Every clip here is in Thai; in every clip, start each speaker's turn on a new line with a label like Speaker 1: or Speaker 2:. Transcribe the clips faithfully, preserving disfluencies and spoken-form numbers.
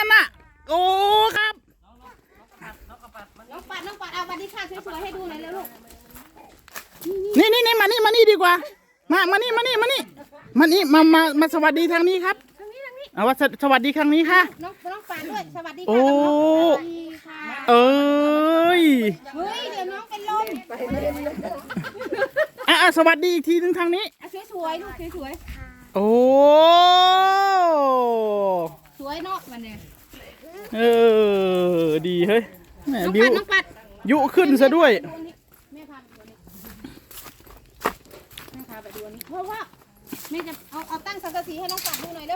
Speaker 1: นั่นน่ะโอ้ครับ
Speaker 2: น้องปัดน้องปัดเอาบัตรที่ข้างสวยๆให้ดูหน่อยเร็วลูก
Speaker 1: นี่นี่นี่มานี่มานี่ดีกว่ามามานี่มานี่มานี่มานี่มามามาสวัสดีทางนี้ครับ
Speaker 2: ทางนี้ทางนี้
Speaker 1: เอาว่าสวัสดีครั้งนี้ค่ะ
Speaker 2: น้องน้องปัดด้วยสวัสดีค่ะ
Speaker 1: โอ้เอ้ย
Speaker 2: เฮ้ยเดี๋ยวน้องเป็นลม
Speaker 1: อ่ะสวัสดีอีกทีนึงทางนี้
Speaker 2: สวยๆลูกสวย
Speaker 1: ๆโอ้
Speaker 2: สวยเนาะมันเนี่ย
Speaker 1: เออดีเฮ้ยแม่
Speaker 2: น้อง
Speaker 1: บิ
Speaker 2: ปั
Speaker 1: ว
Speaker 2: ดน้องปัด
Speaker 1: ยุขึ้นซะด้วย
Speaker 2: แม่พาไปดูนี่แม่พาไปดูนี่เพราะว่าแม่จะเอาเอาตั้งสังกะสีให้น้องปัดดูหน่อยเร็ว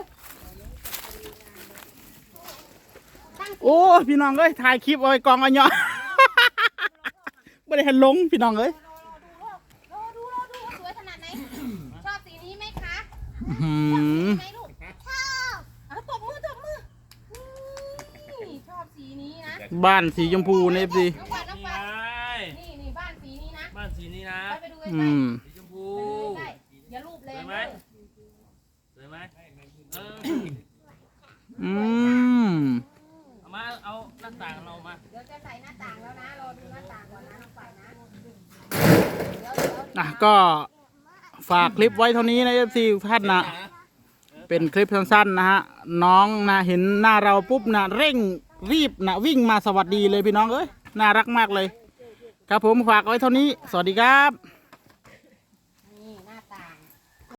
Speaker 1: โอ้พี่น้องเอ้ยถ่ายคลิปเอาไว้กองอันเนาะไม่ได้เห็นลงพี่น้องเอ้ย
Speaker 2: รอดูรอดูสวยขนาดไหนชอบสีนี้ไหมคะ
Speaker 1: หืม
Speaker 2: ไหนลูกชอบเอาตบมือตบมือชอบสีนี้นะ
Speaker 1: บ้านสีชมพูในเอฟซี
Speaker 2: น้องปัดน้องปัดนี่นี่บ้านสีนี้นะ
Speaker 3: บ้านสีนี้นะ
Speaker 2: ไปดูใกล้
Speaker 3: สีชมพู
Speaker 2: อย่ารูปเลย
Speaker 3: สวยไหมสวยไหมเออ
Speaker 1: อืม
Speaker 3: เอามาเอาหน้าต่างเรามา
Speaker 2: เดี๋ยวจะใส่หน้าต่างแล้วนะรอดูหน้าต่างก่อนนะน้องปัดนะ
Speaker 1: อ่ะก็ฝากคลิปไว้เท่านี้นะเอฟซีท่านนะเป็นคลิปสั้นๆนะฮะน้องนะเห็นหน้าเราปุ๊บนะเร่งรีบนะวิ่งมาสวัสดีเลยพี่น้องเอ้ยน่ารักมากเลยครับผมฝากไว้เท่านี้สวัสดีครับ